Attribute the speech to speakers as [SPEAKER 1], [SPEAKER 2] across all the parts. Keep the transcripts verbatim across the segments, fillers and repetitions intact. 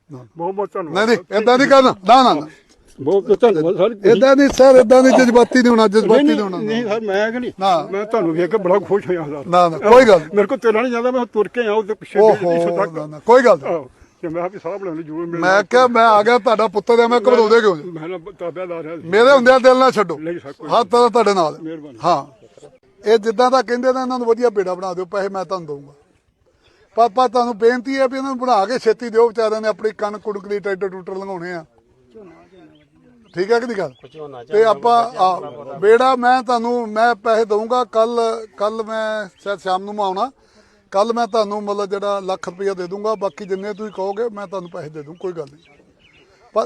[SPEAKER 1] ਬਹੁਤ ਬਹੁਤ ਧੰਨਵਾਦ।
[SPEAKER 2] ਨਹੀਂ ਨਹੀਂ ਏਦਾਂ ਨਹੀਂ ਕਰਨਾ, ਨਾ ਨਾ ਨਾ
[SPEAKER 1] ਬਹੁਤ ਧੰਨਵਾਦ ਸਰ।
[SPEAKER 2] ਏਦਾਂ ਨਹੀਂ ਸਰ, ਏਦਾਂ ਨਹੀਂ, ਜਜ਼ਬਾਤੀ ਨਹੀਂ ਹੋਣਾ, ਜਜ਼ਬਾਤੀ ਨਹੀਂ ਹੋਣਾ।
[SPEAKER 1] ਨਹੀਂ ਸਰ ਮੈਂ ਕਿ ਨਹੀਂ,
[SPEAKER 2] ਨਾ
[SPEAKER 1] ਮੈਂ ਤੁਹਾਨੂੰ ਵੇਖ ਕੇ ਬੜਾ ਖੁਸ਼ ਹੋਇਆ ਸਰ।
[SPEAKER 2] ਨਾ ਨਾ ਕੋਈ ਗੱਲ
[SPEAKER 1] ਮੇਰੇ ਕੋਲ ਤੁਰਨਾ ਨਹੀਂ ਜਾਂਦਾ, ਮੈਂ ਤੁਰ ਕੇ ਆਉਂ ਤੇ ਪਿੱਛੇ
[SPEAKER 2] ਓਹੋ ਨਾ ਨਾ ਕੋਈ ਗੱਲ ਨਹੀਂ।
[SPEAKER 1] ਤੇ ਮੈਂ ਵੀ ਸਾਹ ਬਣਾਉਣ ਜੂਰ
[SPEAKER 2] ਮੈਂ ਕਿਹਾ ਮੈਂ ਆ ਗਿਆ ਤੁਹਾਡਾ ਪੁੱਤਰ ਆ, ਮੈਂ ਘਬਰਾਉਂਦੇ ਕਿਉਂ?
[SPEAKER 1] ਮੈਂ ਨਾ ਤਾਬਿਆਦਾਰ ਹੈ
[SPEAKER 2] ਮੇਰੇ ਹੁੰਦਿਆਂ ਦਿਲ ਨਾ ਛੱਡੋ,
[SPEAKER 1] ਨਹੀਂ ਸਰ ਕੋਈ
[SPEAKER 2] ਹੱਥ ਤਾਂ ਤੁਹਾਡੇ ਨਾਲ।
[SPEAKER 1] ਮਿਹਰਬਾਨੀ।
[SPEAKER 2] ਹਾਂ ਇਹ ਜਿੱਦਾਂ ਦਾ ਕਹਿੰਦੇ ਨੇ ਇਹਨਾਂ ਨੂੰ ਵਧੀਆ ਬੇੜਾ ਬਣਾ ਦਿਓ, ਪੈਸੇ ਮੈਂ ਤੁਹਾਨੂੰ ਦਊਂਗਾ। ਪਾਪਾ ਤੁਹਾਨੂੰ ਬੇਨਤੀ ਹੈ ਵੀ ਇਹਨਾਂ ਨੂੰ ਬਣਾ ਕੇ ਛੇਤੀ ਦਿਓ, ਵਿਚਾਰਿਆਂ ਨੇ ਆਪਣੀ ਕਣਕ ਕੁੜਕ ਦੀ ਟਰੈਕਟਰ ਟੂਟਰ ਲੰਘਾਉਣੇ ਆ। ਠੀਕ ਹੈ ਕਿ ਨਹੀਂ ਗੱਲ? ਤੇ ਆਪਾਂ ਬੇੜਾ ਮੈਂ ਤੁਹਾਨੂੰ ਮੈਂ ਪੈਸੇ ਦਊਂਗਾ। ਕੱਲ ਕੱਲ ਮੈਂ ਸ਼ਾਇਦ ਸ਼ਾਮ ਨੂੰ ਮੈਂ ਆਉਣਾ, ਕੱਲ ਮੈਂ ਤੁਹਾਨੂੰ ਮਤਲਬ ਜਿਹੜਾ ਲੱਖ ਰੁਪਈਆ ਦੇ ਦੂੰਗਾ, ਬਾਕੀ ਜਿੰਨੇ ਤੁਸੀਂ ਕਹੋਗੇ ਮੈਂ ਤੁਹਾਨੂੰ ਪੈਸੇ ਦੇ ਦੂੰ, ਕੋਈ ਗੱਲ ਨਹੀਂ। ਪਰ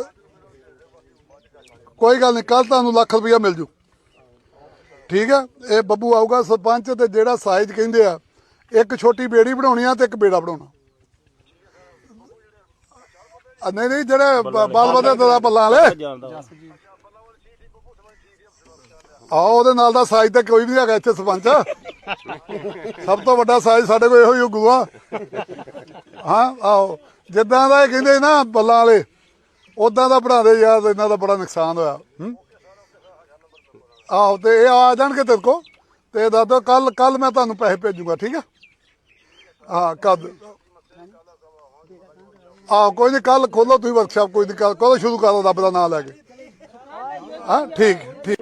[SPEAKER 2] ਕੋਈ ਗੱਲ ਨਹੀਂ, ਕੱਲ ਤੁਹਾਨੂੰ ਲੱਖ ਰੁਪਈਆ ਮਿਲ ਜੂ। ਠੀਕ ਹੈ, ਇਹ ਬੱਬੂ ਆਊਗਾ ਸਰਪੰਚ, ਤੇ ਜਿਹੜਾ ਸਾਈਜ਼ ਕਹਿੰਦੇ ਆ, ਇੱਕ ਛੋਟੀ ਬੇੜੀ ਬਣਾਉਣੀ ਆ ਤੇ ਇੱਕ ਬੇੜਾ ਬਣਾਉਣਾ। ਨਹੀਂ ਨਹੀਂ ਜਿਹੜੇ ਬਾਲ ਵਧੇ ਦਾ ਬੱਲਾਂ ਵਾਲੇ ਆਓ, ਉਹਦੇ ਨਾਲ ਦਾ ਸਾਈਜ਼ ਤਾਂ ਕੋਈ ਵੀ ਨਹੀਂ ਹੈਗਾ ਇੱਥੇ ਸਰਪੰਚ। ਸਭ ਤੋਂ ਵੱਡਾ ਸਾਈਜ਼ ਸਾਡੇ ਕੋਲ ਇਹੋ ਹੀ ਗੁਆ। ਹਾਂ ਆਓ, ਜਿੱਦਾਂ ਦਾ ਇਹ ਕਹਿੰਦੇ ਨਾ ਬੱਲਾਂ ਵਾਲੇ, ਉਦਾਂ ਦਾ ਬਣਾ ਦੇ ਯਾਰ, ਇਹਨਾਂ ਦਾ ਬੜਾ ਨੁਕਸਾਨ ਹੋਇਆ। ਆਹੋ ਤੇ ਇਹ ਆ ਜਾਣਗੇ ਤੇਰੇ ਕੋਲ, ਤੇ ਦੱਸ ਦਿਓ ਕੱਲ ਕੱਲ ਮੈਂ ਤੁਹਾਨੂੰ ਪੈਸੇ ਭੇਜੂਗਾ। ਠੀਕ ਹੈ, ਹਾਂ ਕਦ ਆਹੋ ਕੋਈ ਨਹੀਂ, ਕੱਲ ਖੋਲੋ ਤੁਸੀਂ ਵਰਕਸ਼ਾਪ, ਕੋਈ ਨਹੀਂ, ਕਦੋਂ ਸ਼ੁਰੂ ਕਰੋ ਰੱਬ ਦਾ ਨਾਂ ਲੈ ਕੇ। ਹਾਂ ਠੀਕ ਠੀਕ।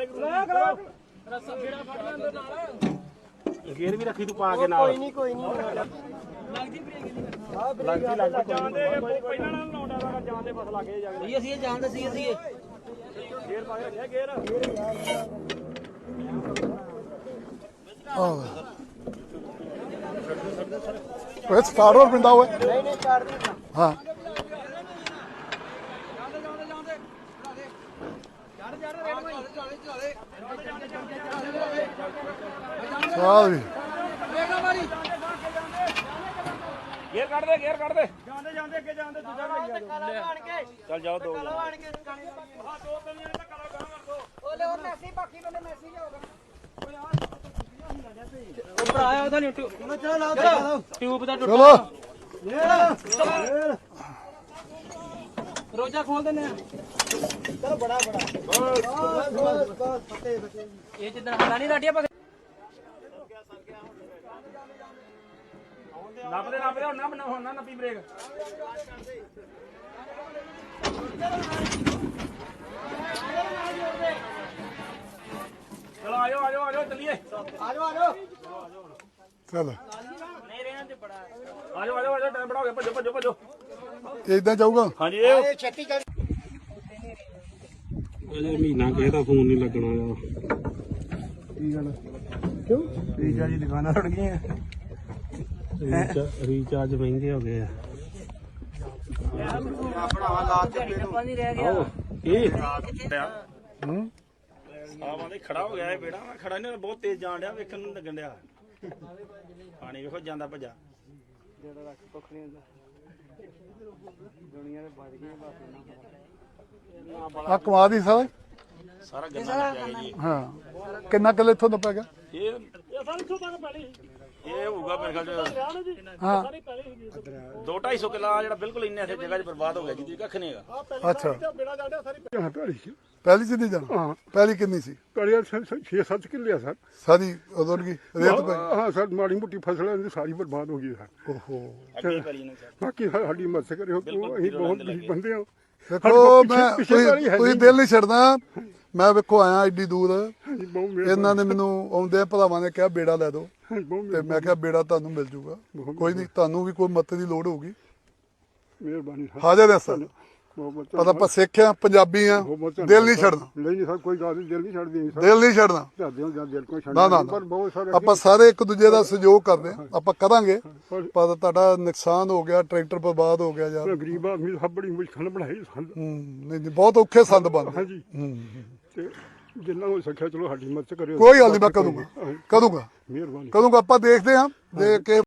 [SPEAKER 3] ਗੇਰ ਵੀ ਰੱਖੀ ਤੂੰ ਪਾ ਕੇ ਨਾਲ। ਕੋਈ ਨਹੀਂ ਕੋਈ ਨਹੀਂ ਲੱਗਦੀ ਲੱਗਦੀ ਲੱਗਦੀ ਜਾਣਦੇ ਪਹਿਲਾਂ ਨਾਲ ਲਾਉਂਦਾ ਦਾ ਜਾਣਦੇ ਬਸ ਲੱਗੇ ਜਾ ਕੇ ਅਸੀਂ ਇਹ ਜਾਣਦੇ ਸੀ ਅਸੀਂ ਇਹ ਗੇਰ ਪਾ ਕੇ ਰੱਖਿਆ ਗੇਰ
[SPEAKER 2] ਆਹ ਇਹ ਸਟਾਰਟ ਹੋਰ ਪਿੰਦਾ ਹੋਇਆ।
[SPEAKER 3] ਨਹੀਂ ਨਹੀਂ ਸਟਾਰਟ ਨਹੀਂ
[SPEAKER 2] ਹਾਂ ਚੱਲ ਵੀ
[SPEAKER 3] ਗੇਰ ਕੱਢ ਦੇ ਗੇਰ ਕੱਢ ਦੇ ਜਾਂਦੇ ਜਾਂਦੇ ਅੱਗੇ ਜਾਂਦੇ ਦੂਜਾ ਚੱਲ ਜਾਓ ਦੋ
[SPEAKER 4] ਹਾਂ ਦੋ ਤਿੰਨ ਜਣੇ ਧੱਕਾ ਲਾ ਗਾਂ ਕਰ ਦੋ ਓਲੇ ਉਹ ਮੈਸੀ ਬਾਕੀ ਬੰਦੇ ਮੈਸੀ ਜਾਊਗਾ
[SPEAKER 3] ਉਹ ਭਰਾ ਆਇਆ ਉਹਦਾ ਨਹੀਂ ਟਿਊਬ ਚਲੋ ਲਾਓ ਟਿਊਬ ਦਾ
[SPEAKER 2] ਚਲੋ
[SPEAKER 3] ਰੋਜਾ ਖੋਲ ਦਿੰਦੇ ਆ।
[SPEAKER 4] ਚਲੋ ਬੜਾ ਬੜਾ ਬਸ ਬਸ ਬਸ ਫੱਟੇ ਫੱਟੇ
[SPEAKER 3] ਇਹ ਜਿੱਦਾਂ ਹੱਲਾ ਨਹੀਂ ਲਾਟਿਆ ਪਾ ਨੱਪਦੇ ਨੱਪਦੇ ਹੁਣ ਨਾ ਬਣਾ ਹੁਣ ਨਾ ਨੱਪੀ ਬ੍ਰੇਕ ਚਲੋ ਆਜੋ ਆਜੋ ਆਜੋ ਚੱਲੀਏ
[SPEAKER 4] ਆਜੋ ਆਜੋ
[SPEAKER 2] ਚੱਲ
[SPEAKER 3] ਨਹੀਂ ਰਹਿਣਾ ਤੇ ਬੜਾ ਆਜੋ ਆਜੋ ਆਜੋ ਟਾਈਮ ਬੜਾ ਹੋ ਗਿਆ ਭੱਜੋ ਭੱਜੋ ਭੱਜੋ
[SPEAKER 2] ਇਦਾਂ ਜਾਊਗਾ।
[SPEAKER 3] ਹਾਂਜੀ ਇਹ
[SPEAKER 4] ਛੇਤੀ ਚੱਲ
[SPEAKER 3] ਅਜੇ ਮਹੀਨਾ ਕਿਸੇ ਦਾ ਫੋਨ ਨਹੀਂ ਲੱਗਣਾ ਆ।
[SPEAKER 2] ਕੀ ਗੱਲ ਕਿਉਂ?
[SPEAKER 3] ਰੀਚਾਰਜ ਦੀ ਦੁਕਾਨਾਂ ਰੁੜ ਗਈਆਂ। ਰੀਚਾਰਜ ਮਹਿੰਗੇ ਹੋ ਗਏ ਆ।
[SPEAKER 4] ਭਰਾਵਾ ਲਾ ਤੇ
[SPEAKER 3] ਇਹ ਹੂੰ ਆਵਾਂ ਦੇ ਖੜਾ ਹੋ ਗਿਆ ਇਹ ਬੇੜਾ ਮੈਂ ਖੜਾ ਨਹੀਂ ਬਹੁਤ ਤੇਜ਼ ਜਾਣ ਡਿਆ ਵੇਖਣ ਨੂੰ ਲੱਗਣ ਡਿਆ ਪਾਣੀ ਵੇਖੋ ਜਾਂਦਾ ਭੱਜਾ ਜਿਹੜਾ ਰੱਖ ਕੁੱਖ ਨਹੀਂ ਹੁੰਦਾ ਦੁਨੀਆ ਦੇ ਵੱਜ ਗਈਆਂ ਬਸ
[SPEAKER 2] ਆ ਕਮਾ ਦੀ ਸਾਰਾ
[SPEAKER 3] ਸਾਰਾ ਗੰਨਾ ਲੱਗਿਆ ਜੀ।
[SPEAKER 2] ਹਾਂ ਕਿੰਨਾ ਕਿੱਲੇ ਇੱਥੋਂ ਦਾ ਪੈ ਗਿਆ?
[SPEAKER 3] ਇਹ ਇਹ ਹੋਊਗਾ ਮੇਰੇ ਖਿਆਲ ਚ
[SPEAKER 2] ਹਾਂ
[SPEAKER 3] ਦੋ ਢਾਈ ਸੌ ਕਿੱਲਾ ਜਿਹੜਾ ਬਿਲਕੁਲ ਇੰਨੇ ਇੱਥੇ ਜਗ੍ਹਾ 'ਚ ਬਰਬਾਦ ਹੋ ਗਿਆ ਜਿਹਦੀ ਕੱਖ ਨਹੀਂ ਹੈਗਾ।
[SPEAKER 2] ਅੱਛਾ
[SPEAKER 1] ਬੇੜਾ ਜਾਂਦਾ ਸਾਰੀ ਭੈੜੀ ਸੀ।
[SPEAKER 2] ਪਹਿਲੀ ਚ ਨਹੀਂ ਜਾਣਾ?
[SPEAKER 1] ਹਾਂ
[SPEAKER 2] ਪਹਿਲੀ ਕਿੰਨੀ ਸੀ?
[SPEAKER 1] ਕੜੀਆ ਛੇ ਸੱਤ ਕਿੱਲੇ ਆ ਸਰ।
[SPEAKER 2] ਸਾਰੀ ਉਦੋਂ ਕੀ ਰੇਤ ਪਈ?
[SPEAKER 1] ਹਾਂ ਸਰ ਮਾੜੀ ਮੋਟੀ ਫਸਲ ਦੀ ਸਾਰੀ ਬਰਬਾਦ ਹੋ ਗਈ ਸਰ।
[SPEAKER 2] ਓਹੋ
[SPEAKER 3] ਅੱਗੇ ਪੈਲੀ ਨੇ ਸਰ
[SPEAKER 1] ਬਾਕੀ ਸਾਡੀ ਮਦਦ ਕਰਿਓ, ਅਸੀਂ ਬਹੁਤ ਗਰੀਬ ਬੰਦੇ ਹਾਂ।
[SPEAKER 2] ਦੇਖੋ ਮੈਂ ਤੁਸੀਂ ਤੁਸੀਂ ਦਿਲ ਨਹੀਂ ਛੱਡਦਾ। ਮੈਂ ਵੇਖੋ ਆਇਆ ਏਡੀ ਦੂਰ,
[SPEAKER 1] ਬਹੁਤ
[SPEAKER 2] ਇਹਨਾਂ ਨੇ ਮੈਨੂੰ ਆਉਂਦੇ ਭਰਾਵਾਂ ਨੇ ਕਿਹਾ ਬੇੜਾ ਲੈ ਦਿਓ,
[SPEAKER 1] ਬਹੁਤ
[SPEAKER 2] ਤੇ ਮੈਂ ਕਿਹਾ ਬੇੜਾ ਤੁਹਾਨੂੰ ਮਿਲ ਜੂਗਾ, ਕੋਈ ਨਹੀਂ, ਤੁਹਾਨੂੰ ਵੀ ਕੋਈ ਮਦਦ ਦੀ ਲੋੜ ਹੋਊਗੀ।
[SPEAKER 1] ਮਿਹਰਬਾਨੀ ਸਰ।
[SPEAKER 2] ਹਾਜ਼ਰ ਹੈ ਸਰ,
[SPEAKER 1] ਬਹੁਤ ਬਹੁਤ
[SPEAKER 2] ਪਤਾ ਆਪਾਂ ਸਿੱਖ ਆ, ਪੰਜਾਬੀ ਆ, ਦਿਲ ਨਹੀਂ ਛੱਡਣਾ,
[SPEAKER 1] ਨਹੀਂ ਨਹੀਂ ਸਰ ਕੋਈ ਗੱਲ ਨਹੀਂ, ਦਿਲ ਨਹੀਂ ਛੱਡਦੇ ਸਰ।
[SPEAKER 2] ਦਿਲ ਨਹੀਂ ਛੱਡਣਾ।
[SPEAKER 1] ਝਾਦੇ ਜਾਂ ਦਿਲ ਕੋਈ
[SPEAKER 2] ਨਾ
[SPEAKER 1] ਛੱਡਦਾ
[SPEAKER 2] ਨਾ
[SPEAKER 1] ਪਰ ਬਹੁਤ ਸਾਰੇ
[SPEAKER 2] ਆਪਾਂ ਸਾਰੇ ਇੱਕ ਦੂਜੇ ਦਾ ਸਹਿਯੋਗ ਕਰਦੇ ਆ, ਆਪਾਂ ਕਰਾਂਗੇ। ਪਰ ਤੁਹਾਡਾ ਨੁਕਸਾਨ ਹੋ ਗਿਆ, ਟਰੈਕਟਰ ਬਰਬਾਦ ਹੋ ਗਿਆ ਯਾਰ।
[SPEAKER 1] ਗਰੀਬ ਆਦਮੀ ਸਭ ਬੜੀ ਮੁਸ਼ਕਲ ਬਣਾਈ ਸੰਦ।
[SPEAKER 2] ਹੂੰ ਨਹੀਂ ਨਹੀਂ ਬਹੁਤ ਔਖੇ ਸੰਦ ਬਣ ਗਏ।
[SPEAKER 1] ਹਾਂਜੀ
[SPEAKER 2] ਹੂੰ
[SPEAKER 1] ਤੇ ਜਿੰਨਾ ਹੋ ਸਕਿਆ ਚਲੋ ਸਾਡੀ ਮਦਦ ਕਰਿਓ।
[SPEAKER 2] ਕੋਈ ਗੱਲ ਨਹੀਂ, ਮੈਂ ਕਰੂੰਗਾ ਕਰੂੰਗਾ
[SPEAKER 1] ਮਿਹਰਬਾਨੀ।
[SPEAKER 2] ਕਰੂੰਗਾ। ਆਪਾਂ ਦੇਖਦੇ ਹਾਂ, ਦੇਖ ਕੇ